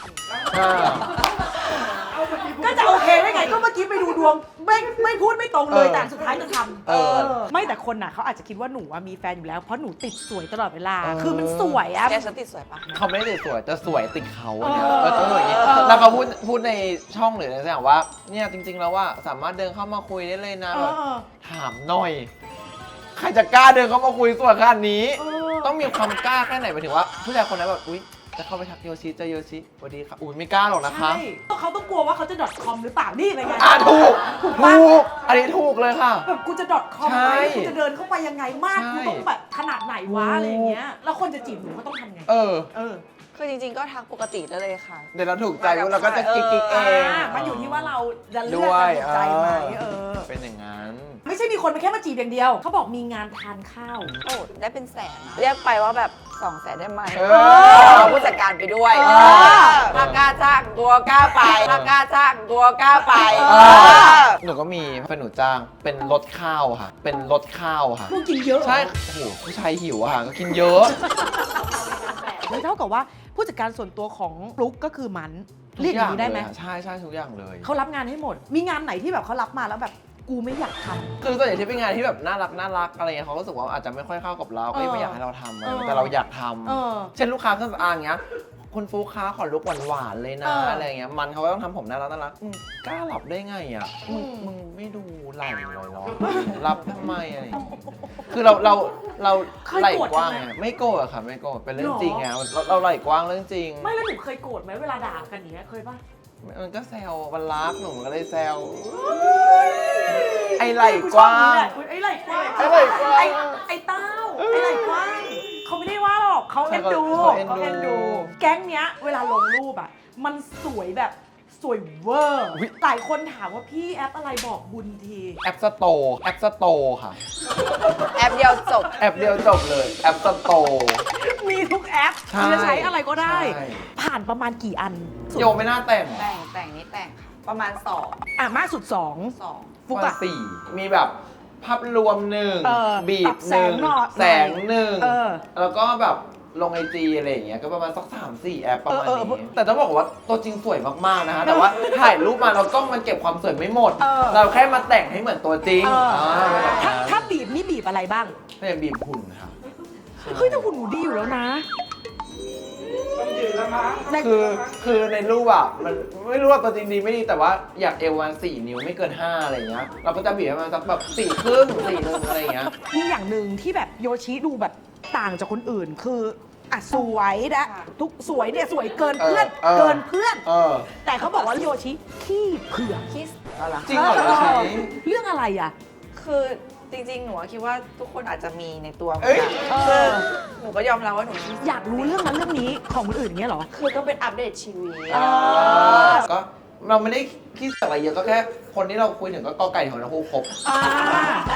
Speaker 1: ก็จะโอเคได้ไงก็เมื่อกี้ไปดูดวงไม่พูดไม่ตรงเลย
Speaker 3: เออ
Speaker 1: แต่สุดท้ายจะทำ
Speaker 3: เออ
Speaker 1: ไม่แต่คนน่ะเขาอาจจะคิดว่าหนูอะมีแฟนอยู่แล้วเพราะหนูติดสวยตลอดเวลา
Speaker 3: เออ
Speaker 1: คือมันสวยอะ
Speaker 2: แกฉันติดสวยปะ
Speaker 3: เขาไม่ได้ติดสวยจะสวยติดเขาอะเนี่ย
Speaker 1: เออ
Speaker 3: ต้องอย่างนี้
Speaker 1: เออ
Speaker 3: แล้วเขาพูดในช่องหรือในอย่างว่าเนี่ยจริงๆแล้วว่าสามารถเดินเข้ามาคุยได้เลยนะ
Speaker 1: เอ
Speaker 3: แบบ
Speaker 1: อ
Speaker 3: ถามหน่อย ใครจะกล้าเดินเข้ามาคุยสวยขนาดนี้
Speaker 1: เออ
Speaker 3: ต้องมีความกล้าแค่ไหนหมายถึงว่าผู้ชายคนนั้นแบบอุ๊ยจะเข้าไปทักโยชิเจอโยชิสวัสดีค่ะอุ้ยไม่กล้าหรอกนะคะ
Speaker 1: ใช่เขาต้องกลัวว่าเขาจะ .com หรือเปล่านี่เป็นไง
Speaker 3: ถูก
Speaker 1: ปะ
Speaker 3: ถูกอันนี้ถูกเลยค่ะ
Speaker 1: แบบกูจะ .com
Speaker 3: ใช่
Speaker 1: ไหมกูจะเดินเข้าไปยังไงมาก
Speaker 3: ใช่
Speaker 1: กูต้องแบบขนาดไหนวะอะไรอย่างเงี้ยแล้วคนจะจีบหนูก็ต้องทำไง
Speaker 3: เออ
Speaker 1: เออ
Speaker 2: คือจริงๆก็ทักปกติได้เลยค่ะ
Speaker 3: เดี๋ยวเราถูกใจปุ๊บเราก็จะกิ๊กๆเอง
Speaker 1: มันอยู่ที่ว่าเราจะเลื
Speaker 3: ด้
Speaker 1: อก
Speaker 3: วย
Speaker 1: จะถูกใจไหมเออ
Speaker 3: เป็นอย่างนั้น
Speaker 1: ไม่ใช่มีคนมาแค่มาจีบอย่างเดียว เขาบอกมีงานทานข้าว
Speaker 2: โอ้ได้เป็นแสนนะเรียกไปว่าแบบ200,000ได้ไหม
Speaker 3: เออ
Speaker 2: เอาผู้จัดการไปด้วย
Speaker 1: เออ
Speaker 2: ถ้ากล้าจ้างตัวกล้าไปถ้ากล้าจ้างตัวกล้าไป
Speaker 3: เอ
Speaker 2: เออ
Speaker 3: หนูก็มีแฟนหนูจ้างเป็นรถข้าวค่ะ เป็นรถข้าวค่ะ
Speaker 1: พวกกินเยอะเหรอ
Speaker 3: ใช่ โอ้โห ผู้ชายหิวอะค่ะ ก็กินเยอะ
Speaker 1: เลยเท่ากับว่าผู้จัดการส่วนตัวของฟลุ๊กก็คือมันเรียกอย่างนี้ได้ไหม
Speaker 3: ใช่ใช่ทุกอย่างเลย
Speaker 1: เขารับงานให้หมด มีงานไหนที่แบบเขารับมาแล้วแบบกูไม่อยากทำ
Speaker 3: คือส่วนใหญ่ที่เป็นงานที่แบบน่ารักอะไรเงี้ยเขาก็รู้สึกว่าอาจจะไม่ค่อยเข้ากับเรา ก็ไม่อยากให้เราทำอะไร
Speaker 1: เออ
Speaker 3: แต่เราอยากท
Speaker 1: เออ
Speaker 3: ำเช่นลูกค้าเครื่องสำอางเงี้ย คุณฟุ๊กค้าขอลุกหวานๆเลยนะ
Speaker 1: เอออ
Speaker 3: อะไรเงี้ย มันเขาก็ต้องทำผมน่ารักกล้าหลับได้ไงอ่ะ มึง
Speaker 1: อืม
Speaker 3: มึงไม่ดูไหล่เลยเหรอรับทำไมอะไรอย่างเงี้ยคือเราไหล่กว้างไงไม่โกรธอะค่ะไม่โกรธเป็นเรื่องจริงไงเราไหล่กว้างเรื่องจริง
Speaker 1: ไม่แล้วหนูเคยโกรธไหมเวลาด่ากันอย่างเงี้ยเคยปะ
Speaker 3: มันก็แซวมันรักหนูก็เลยแซวไอไหล่กว้าง
Speaker 1: ไอ้ไหล่กว้าง
Speaker 3: ไอ้ไหล่กว้าง
Speaker 1: ไอ้เต้าไอ้ไหล่กว้างเขาไม่ได้ว่าหรอกเขาเอ็นดู
Speaker 3: เขาเอ็นดู
Speaker 1: เขาเอ็นดู แก๊งเนี้ยเวลาลงรูปอ่ะมันสวยแบบสวยเวอร์หลายคนถามว่าพี่แอปอะไรบอกบุญที
Speaker 3: แอปสโตร์ค่ะ
Speaker 2: แอปเดียวจบ
Speaker 3: แอปเดียวจบเลยแอปสโตร์
Speaker 1: มีทุกแอป
Speaker 3: ใช่
Speaker 1: จะใช้อะไรก็ได้
Speaker 3: ใช่
Speaker 1: ผ่านประมาณกี่อัน
Speaker 3: โยไม่น่าแต่ง
Speaker 2: แต่งนี่แต่งค่ะประมาณ2
Speaker 1: อ่ะมากสุด2
Speaker 2: 2
Speaker 1: ฟุก
Speaker 3: ว่า
Speaker 1: อะ
Speaker 3: สี่มีแบบภาพรวมหนึ่ง
Speaker 1: เออ
Speaker 3: บี
Speaker 1: ปรั
Speaker 3: บบ
Speaker 1: แส
Speaker 3: หนึ่
Speaker 1: ง
Speaker 3: ง
Speaker 1: หน่อย
Speaker 3: แสงหนึ่ง
Speaker 1: เออ
Speaker 3: แล้วก็แบบลงไอจีอะไรอย่างเงี้ยก็ประมาณสัก3-4 แอปประมาณ
Speaker 1: เออ
Speaker 3: นี้แต่ต้องบอกว่าตัวจริงสวยมากๆนะคะแต่ว่าถ่ายรูปมาเรากล้องมันเก็บความสวยไม่หมด
Speaker 1: เออ
Speaker 3: เราแค่มาแต่งให้เหมือนตัวจริง
Speaker 1: เอออ่
Speaker 3: เป็นแบบ
Speaker 1: ถ้า
Speaker 3: นั้น
Speaker 1: ถ้าบีบนี่บีบอะไรบ้าง
Speaker 3: ก็ยังบีบหุ่นค่ะ
Speaker 1: เฮ้ยแต่หุ่นหนูดีอยู่แล้วนะ
Speaker 4: ต้องยืนแล้วมั้ง
Speaker 3: คือในรูปอ่ะมันไม่รู้ว่าตัวจริงดีไม่ดีแต่ว่าอยากเอววัน4 นิ้วไม่เกิน 5อะไรอย่างเงี้ยเราก็จะบีบให้มันสักแบบ4 ครึ่ง4 นึงอะไรอย่างเงี้ย
Speaker 1: มีอย่างหนึ่งที่แบบโยชิดูแบบต่างจากคนอื่นคืออ่ะสวยนะทุกสวยเนี่ยสวยเกินเพื่อน
Speaker 3: เออ
Speaker 1: เกินเพื่อน
Speaker 3: เออ
Speaker 1: แต่เขาบอกว่าโยชิขี้เผือก
Speaker 2: คิส
Speaker 3: จริงเหรอโยชิ
Speaker 1: เรื่องอะไรอ่ะ
Speaker 2: คือจริงๆ หนูคิดว่าทุกคนอาจจะมีในตัวเหมือ
Speaker 3: เอ้
Speaker 2: น
Speaker 3: ย
Speaker 2: กัน
Speaker 1: เออ
Speaker 2: คือหนูก็ยอมรับว่าหนูคิด
Speaker 1: อยากรู้เรื่องนั้นเรื่องนี้ของคนอื่นอย่างเงี้ยเหรอ
Speaker 2: คือต้องเป็นอัปเดตชีวิต
Speaker 1: เออ
Speaker 3: ก็เราไม่ได้คิดอะไรเยอะก็แค่คนที่เราคุยถึงก็กอไก่ของทั้งคู่ครบ
Speaker 1: อ่า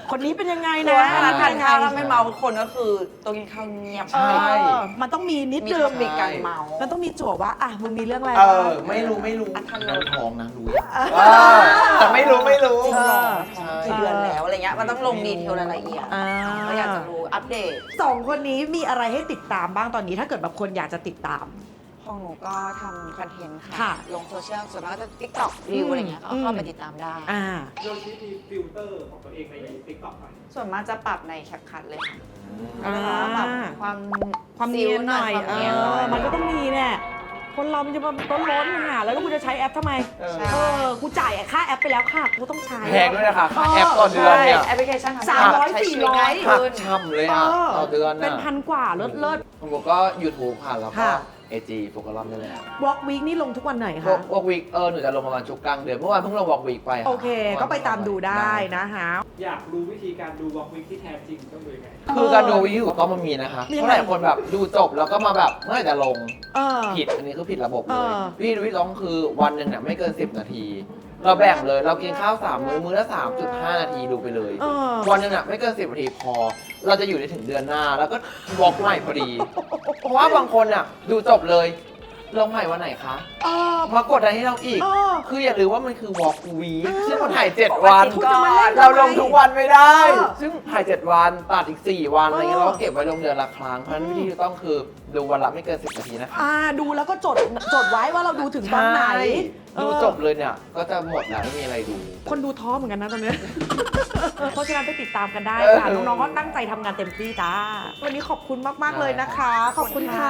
Speaker 1: คนนี้เป็นยังไง
Speaker 2: เพราะ
Speaker 1: นะ
Speaker 2: ว่าถ้าทานข้าวแล้วไม่เมาคนก็คือตัวกินข้าวเงียบ
Speaker 1: เอ
Speaker 3: ใช่
Speaker 1: อมันต้องมีนิด
Speaker 2: มี
Speaker 1: นึง
Speaker 2: มีการเมา
Speaker 1: มันต้องมีจั่วว่าอ่ะมึงมีเรื่องอะไร
Speaker 3: เอ
Speaker 1: บ้าง
Speaker 3: อ ไม่รู้
Speaker 2: อัธรส
Speaker 3: นั่นท้องนะรู้แต่ไม่รู้
Speaker 2: จริงเหรอ
Speaker 3: ใช่
Speaker 2: กี่เดือนแล้วอะไรเงี้ยมันต้องลงดีเทลรายละเอียด
Speaker 1: อ่า
Speaker 2: ก็อยากจะรู้อัปเดต
Speaker 1: สองคนนี้มีอะไรให้ติดตามบ้างตอนนี้ถ้าเกิดแบบคนอยากจะติดตาม
Speaker 2: ของหนูก็ทำคอนเทนต์
Speaker 1: ค่ะ
Speaker 2: ค่ะ ลงโซเชียลส่วนมากก็จะ TikTok วิวอะไรเงี้ยก็เข้าไปติดตามได้
Speaker 1: อ่า
Speaker 4: โดยที่มีฟิลเตอร์ของตัวเองใน TikTok หน่อย
Speaker 2: ส่วนมากจะปรับในแคปคัทเลยค่ะ
Speaker 1: อ่า
Speaker 2: แล้วก็ปรับความ
Speaker 1: เนียนหน่อย
Speaker 2: ความเนียนหน่อย
Speaker 1: มันก็ต้องมีแน่คนเรามันจะมาต้นล้นหาแล้วกูจะใช้แอปทำไม
Speaker 2: ใช่
Speaker 1: กูจ่ายค่าแอปไปแล้วค่ะกูต้องใช้
Speaker 3: แพงด้วยนะคะค่าแอปต่อเดือนเนี่ย
Speaker 2: แอปพลิเคชันทำให้
Speaker 1: 300
Speaker 2: ใช้ชีวิตง่าย
Speaker 3: หัก
Speaker 2: ขึ้น
Speaker 3: ช่ำเลยอ่ะต่อเดือน
Speaker 1: เป็น
Speaker 3: อ่ะ
Speaker 1: พันกว่าเลิศ
Speaker 3: ผมก็ YouTube ค่ะแล้วก็
Speaker 1: ค่ะ
Speaker 3: AG โฟกัสรอบนี่แหละ
Speaker 1: วอล์กวีคนี่ลงทุกวันไหน
Speaker 3: ว
Speaker 1: คะ
Speaker 3: อล์กวีคหนูจะลงประมาณช่วงกลางเดือนเมื่อวานเพิ่งลงวอล์กวีคไปะ
Speaker 1: โอเค ก็ไปตามดูได้นะคะ
Speaker 4: อยากรู้วิธีการดูวอล์กวิกที่แท้จริงต้องดูยังไง
Speaker 3: คือการดูวิธีถูกต้องมันมีนะคะ
Speaker 1: มี
Speaker 3: เพ
Speaker 1: อะไร
Speaker 3: ราะหลายคนแบบดูจบแล้วก็มาแบบเมื่อไหร่จะลง
Speaker 1: เออ
Speaker 3: ผิดอันนี้คือผิดระบบเลย
Speaker 1: เออ
Speaker 3: วิธีดูที่ต้องคือวันหนึ่งเนี่ยไม่เกิน 10 นาที เราแบ่งเลยเรากินข้าว3มื้อละ 3.5 นาทีดูไปเลย
Speaker 1: เออ
Speaker 3: วันหนึงอ่ะไม่เกิน 10 นาทีพอ เราจะอยู่ได้ถึงเดือนหน้า แล้วก็วอล์กใหม่พอดี เพราะว่าบางคนอ่ะดูจบเลยลงใหม่วันไหนคะ
Speaker 1: เออ
Speaker 3: มากดอะไรให้เราอีก
Speaker 1: เออ
Speaker 3: คืออย่าลืมว่ามันคือวอล์กวีคซึ่งมันถ่าย7 วัน
Speaker 1: คุณจะมาเล่นทำไม
Speaker 3: เราลงทุกวันไม่ได้
Speaker 1: เออ
Speaker 3: ซึ่งถ่าย7 วันตัดอีก 4 วันอะไรเงี้ย
Speaker 1: เออ
Speaker 3: เราก็เก็บไว้ลงเดือนละครั้ง เพราะฉะนั้นวิธีที่ต้องคือดูวันละไม่เกิน 10 นาทีนะคะ
Speaker 1: ดูแล้วก็จดไว้ว่าเราดูถึงตอนไหน
Speaker 3: ใช่ดู
Speaker 1: เออ
Speaker 3: จบเลยเนี่ย ก็จะหมดแล้วไม่มีอะไรดู
Speaker 1: คนดูท้อเหมือนกันนะตอนเนี้ย เพราะฉะนั้นไปติดตามกันได้ค่ะ
Speaker 3: เออ
Speaker 1: น้องๆก็ตั้งใจทำงานเต็มที่จ้า วันนี้ขอบคุณมาก ๆ เลยนะคะ ขอบคุณค่ะ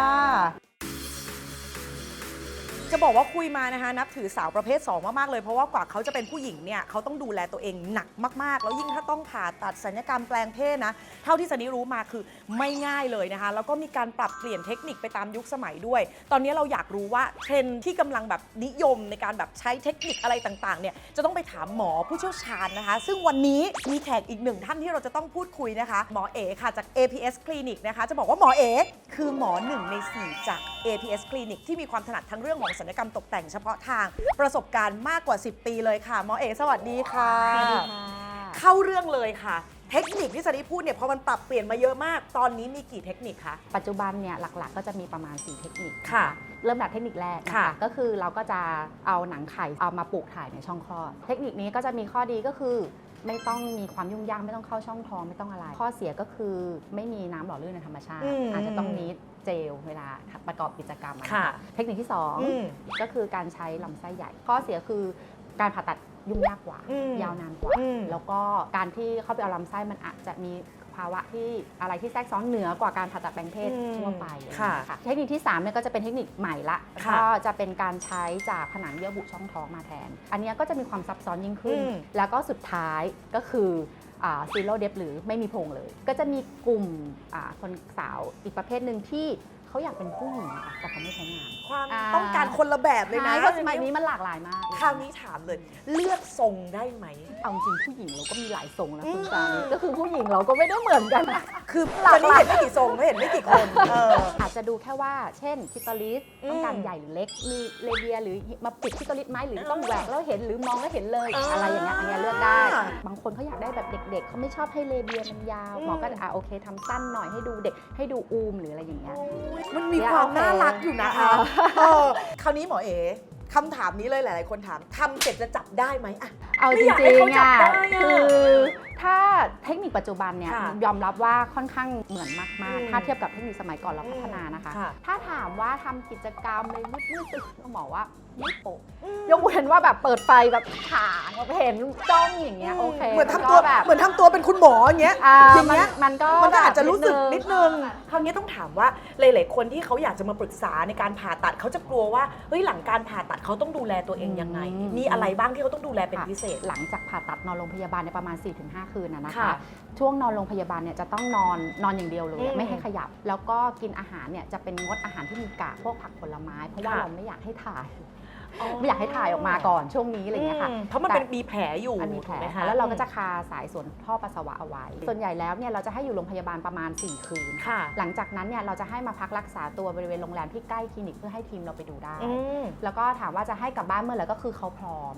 Speaker 1: จะบอกว่าคุยมานะคะนับถือสาวประเภท 2 มาก ๆ เลยเพราะว่ากว่าเขาจะเป็นผู้หญิงเนี่ยเขาต้องดูแลตัวเองหนักมาก ๆ แล้วยิ่งถ้าต้องผ่าตัดศัลยกรรมแปลงเพศนะเท่าที่ซันนี่รู้มาคือไม่ง่ายเลยนะคะแล้วก็มีการปรับเปลี่ยนเทคนิคไปตามยุคสมัยด้วย ตอนนี้เราอยากรู้ว่าเทรนด์ที่กำลังแบบนิยมในการแบบใช้เทคนิคอะไรต่าง ๆ เนี่ยจะต้องไปถามหมอผู้เชี่ยวชาญนะคะ ซึ่งวันนี้มีแขกอีกหนึ่งท่านที่เราจะต้องพูดคุยนะคะหมอเอ๋ค่ะจาก APS Clinic นะคะจะบอกว่าหมอเอ๋คือหมอ1 ใน 4 จาก APS Clinic ที่มีความถนัดทั้งเรื่องของศัลยกรรมตกแต่งเฉพาะทางประสบการณ์มากกว่า 10 ปีเลยค่ะหมอเอ๋สวัสดีค่ะ
Speaker 6: สวัสดีค่ะ
Speaker 1: เข้าเรื่องเลยค่ะ เทคนิคที่ซันนี่พูดเนี่ยพอมันปรับเปลี่ยนมาเยอะมาก ตอนนี้มีกี่เทคนิคคะ
Speaker 6: ปัจจุบันเนี่ยหลักๆ ก็จะมีประมาณ 4 เทคนิค
Speaker 1: ค่ะ
Speaker 6: เริ่มจากเทคนิคแรกนะ
Speaker 1: ค่ะ
Speaker 6: คะก็คือเราก็จะเอาหนังไข่เอามาปลูกถ่ายในช่องคลอด เทคนิคนี้ก็จะมีข้อดีก็คือ ไม่ต้องมีความยุ่งยากไม่ต้องเข้าช่องท้องไม่ต้องอะไร ข้อเสียก็คือไม่มีน้ำหล่อลื่นในธรรมชาติ อาจจะต้องนิดเจลเวลาประกอบกิจกรรมอะ
Speaker 1: ค่ะ
Speaker 6: เทคนิคที่
Speaker 1: อืม
Speaker 6: 2 ก็คือการใช้ลำไส้ใหญ่ ข้อเสียคือการผ่าตัดยุ่งยากกว่า
Speaker 1: อืม
Speaker 6: ยาวนานกว่า
Speaker 1: อืม
Speaker 6: แล้วก็การที่เข้าไปเอาลำไส้มันอาจจะมีภาวะที่อะไรที่แทรกซ้อนเหนือกว่าการผ่าตัดแปลงเพศทั่วไปอะไรอย่างเงี้ยค่ะเทคนิคที่3เนี่ยก็จะเป็นเทคนิคใหม่ละ
Speaker 1: ค่ะ
Speaker 6: ก็จะเป็นการใช้จากผนังเยื่อบุช่องท้องมาแทน อันเนี้ยก็จะมีความซับซ้อนยิ่งขึ้น แล้วก็สุดท้ายก็คือซีโร่เดฟหรือไม่มีโพรงเลย ก็จะมีกลุ่มคนสาวอีกประเภทหนึ่งที่เขาอยากเป็นผู้หญิงค่ะแต่เขาไม่ใช้งาน
Speaker 1: ความต้องการคนละแบบเลยนะ
Speaker 6: เพราะสมัยนี้มันหลากหลายมาก
Speaker 1: คราวนี้ถามเลย เลือกทรงได้ไหม
Speaker 6: เอาจริงผู้หญิงเราก็มีหลายทรงนะคุณจานี่ก็คือผู้หญิงเราก็ไม่ได้เหมือนกันนะ
Speaker 1: คือ
Speaker 6: หลาก
Speaker 1: จะ
Speaker 6: ห
Speaker 1: นี่
Speaker 6: ลาย
Speaker 1: เห็นไม่กี่ทรงไม่เห็นไม่กี่คน
Speaker 6: อาจจะดูแค่ว่าเช่นคิตอลิสต้องการ
Speaker 1: อืม
Speaker 6: ใหญ่หรือเล็ก มีเลเบียหรือมาปิดคิตอลิสไหมหรือต้องแหวกแล้วเห็นหรือมองแล้วเห็นเลย อะไรอย่างเงี้ยอันเนี้ยเลือกได้ บางคนเขาอยากได้แบบเด็กๆเขาไม่ชอบให้เลเบียมันยาวหมอก็โอเคทำสั้นหน่อยให้ดูเด็กให้ดูอูมหรืออะไรอย่างเงี้ย
Speaker 1: มันมีความน่ารักอยู่นะคะคราวนี้หมอเอ๋คำถามนี้เลยหลาย ๆ คนถามทำเสร็จจะจับได้ไหมอะ
Speaker 6: เอา
Speaker 1: ไม่
Speaker 6: จ
Speaker 1: อยากให้
Speaker 6: ริง
Speaker 1: เขา
Speaker 6: ๆ
Speaker 1: จับ
Speaker 6: อ่ะ
Speaker 1: ได้อะ
Speaker 6: คือถ้าเทคนิคปัจจุบันเนี่ย
Speaker 1: ค่ะ
Speaker 6: ยอมรับว่าค่อนข้างเหมือนมาก
Speaker 1: อืม
Speaker 6: ๆ ถ้าเทียบกับเทคนิคสมัยก่อนเราพัฒนานะคะ
Speaker 1: ค่ะ
Speaker 6: ถ้าถามว่าทำกิจกรรมเลยมืดๆต้องบอกว่าไม่โปะยกเว้นว่าแบบเปิดไฟแบบฉางเห็นจ้องอย่างเงี้ยโอเค
Speaker 1: เหมือนทำตัว
Speaker 6: แบบ
Speaker 1: เหมือนทำตัวเป็นคุณหมออย่างเงี้ย อย่างเงี้ย
Speaker 6: มันก็
Speaker 1: มันก็อาจจะรู้สึก
Speaker 6: แบบ
Speaker 1: นิดนึง คราวนี้ต้องถามว่าหลาย ๆ คนที่เขาอยากจะมาปรึกษาในการผ่าตัดเขาจะกลัวว่าเฮ้ยหลังการผ่าตัดเขาต้องดูแลตัวเองยังไง มีอะไรบ้างที่เขาต้องดูแลเป็น
Speaker 6: ค่ะ
Speaker 1: พิเศษ
Speaker 6: หลังจากผ่าตัดนอนโรงพยาบาลในประมาณ 4-5 คืนนะคะ
Speaker 1: ค่ะ
Speaker 6: ช่วงนอนโรงพยาบาลเนี่ยจะต้องนอนอย่างเดียวเลย
Speaker 1: อืม
Speaker 6: ไม่ให้ขยับ แล้วก็กินอาหารเนี่ยจะเป็นงดอาหารที่มีกากพวกผักผลไม้ เพราะว่า
Speaker 1: ค่ะ
Speaker 6: เราไม่อยากให้ถ่าย ไม่อยากให้ถ่ายออกมาก่อนช่วงนี้อะไรอย่างเงี้ยค่ะ
Speaker 1: เพราะมันเป็นมีแผลอยู่
Speaker 6: อันมีแผล
Speaker 1: ถูกไหม
Speaker 6: ค่ะแล้วเราก็จะคาสายส่วนท่อปัสสาวะเอาไว้ ส่วนใหญ่แล้วเนี่ยเราจะให้อยู่โรงพยาบาลประมาณ 4 คืน
Speaker 1: ค่ะ
Speaker 6: หลังจากนั้นเนี่ยเราจะให้มาพักรักษาตัวบริเวณโรงแรมที่ใกล้คลินิกเพื่อให้ทีมเราไปดูได้
Speaker 1: อืม
Speaker 6: แล้วก็ถามว่าจะให้กลับบ้านเมื่อไหร่ก็คือเขาพร้อม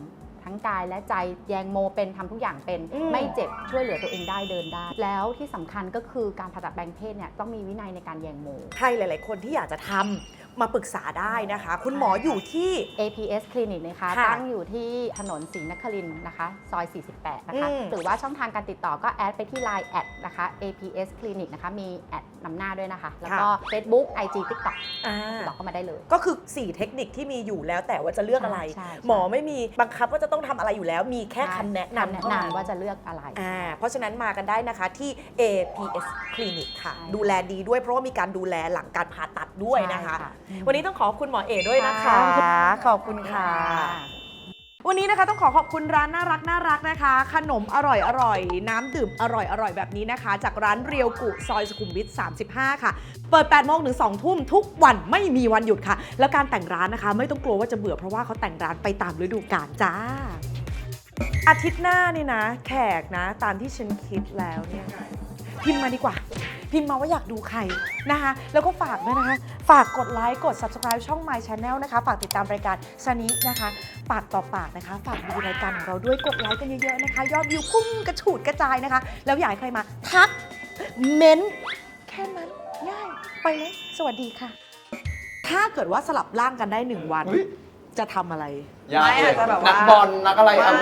Speaker 6: ทั้งกายและใจแยงโมเป็นทำทุกอย่างเป็น ไม่เจ็บช่วยเหลือตัวเองได้เดินได้ แล้วที่สำคัญก็คือการผ่าตัดแปลงเพศเนี่ยต้องมีวินัยในการแยงโม
Speaker 1: ใครหลาย ๆ คนที่อยากจะทำมาปรึกษาได้นะคะ คุณหมออยู่ที่
Speaker 6: APS คลินิกนะคะ
Speaker 1: ค่ะ
Speaker 6: ตั้งอยู่ที่ถนนศรีนครินทร์นะคะซอย 48 นะคะ หรือว่าช่องทางการติดต่อก็แอดไปที่ Line แอดนะคะ APS คลินิกนะคะมีแอดนำหน้าด้วยนะคะ แล้วก็ Facebook IG TikTok ติดต่อเข้ามาได้เลย
Speaker 1: ก็คือ 4 เทคนิคที่มีอยู่แล้วแต่ว่าจะเลือกอะไร
Speaker 6: ใช่
Speaker 1: หมอไม่มีบังคับว่าจะต้องทำอะไรอยู่แล้ว มีแค่คำแนะนำ
Speaker 6: แนะ
Speaker 1: เท่านั้น
Speaker 6: นำว่าจะเลือกอะไร
Speaker 1: เพราะฉะนั้นมากันได้นะคะที่ APS คลินิกค่ะ
Speaker 6: ใช่
Speaker 1: ดูแลดีด้วยเพราะว่ามีการดูแลหลังการผ่าตัดด้วยนะคะ
Speaker 6: ใช่ค่ะ
Speaker 1: วันนี้ต้องขอบคุณหมอเอด้วยนะคะ ขอบคุณค่ะ วันนี้นะคะต้องขอบคุณร้านน่ารักนะคะ ขนมอร่อยน้ำดื่มอร่อยแบบนี้นะคะ จากร้านเรียวกุซอยสุขุมวิท 35 ค่ะ เปิด 8 โมงถึง 2 ทุ่มทุกวันไม่มีวันหยุดค่ะ แล้วการแต่งร้านนะคะ ไม่ต้องกลัวว่าจะเบื่อเพราะว่าเขาแต่งร้านไปตามฤดูกาลจ้า อาทิตย์หน้านี่นะ แขกนะตามที่ฉันคิดแล้วเนี่ยพิมพ์มาดีกว่า พิมพ์มาว่าอยากดูใครนะคะ แล้วก็ฝากด้วยนะคะ ฝากกดไลค์กด subscribe ช่อง My Channel นะคะ ฝากติดตามรายการซานินะคะ ปากต่อปากนะคะ ฝากดูรายการของเราด้วยกดไลค์กันเยอะๆนะคะ ยอดวิวพุ่งกระฉูดกระจายนะคะ แล้วอยากให้ใครมาทักเม้นต์แค่นั้นง่ายไปเลยสวัสดีค่ะ ถ้าเกิดว่าสลับร่างกันได้ 1 วัน
Speaker 3: อุ๊ย
Speaker 1: จะทำอะไร
Speaker 3: ยาก
Speaker 2: ไม่
Speaker 3: เล
Speaker 2: อาย จจะแบบว่านั
Speaker 3: นักบอลนักอะไรอ่ะ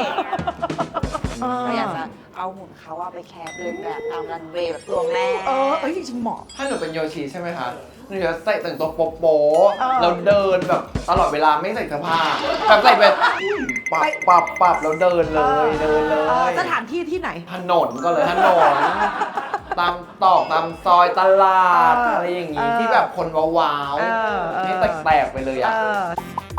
Speaker 2: เราอยากจะเอาหุ่นเขาว่าไปแคปเดินแบบตามรันเวย์แบบตัวแม่
Speaker 1: เอ้ยจริงๆเหมาะ
Speaker 3: ถ้าหนูเป็นโยชิใช่ไหมคะหนูจะใส่แต่งตัวโป๊ะ
Speaker 1: เออ
Speaker 3: ๆแล้วเดินแบบตลอดเวลาไม่ใส่เสื้อผ้าแบบใส่แบบปับแล้วเดินเลยเดินเลย
Speaker 1: สถานที่ที่ไหน
Speaker 3: ถนนก็เลยถนน ตามตอกตามซอยตลาด อะไรอย่างงี้ที่แบบคนว้าว
Speaker 1: เออ
Speaker 3: ๆให้แตกๆไปเลยอ่ะ
Speaker 1: เออ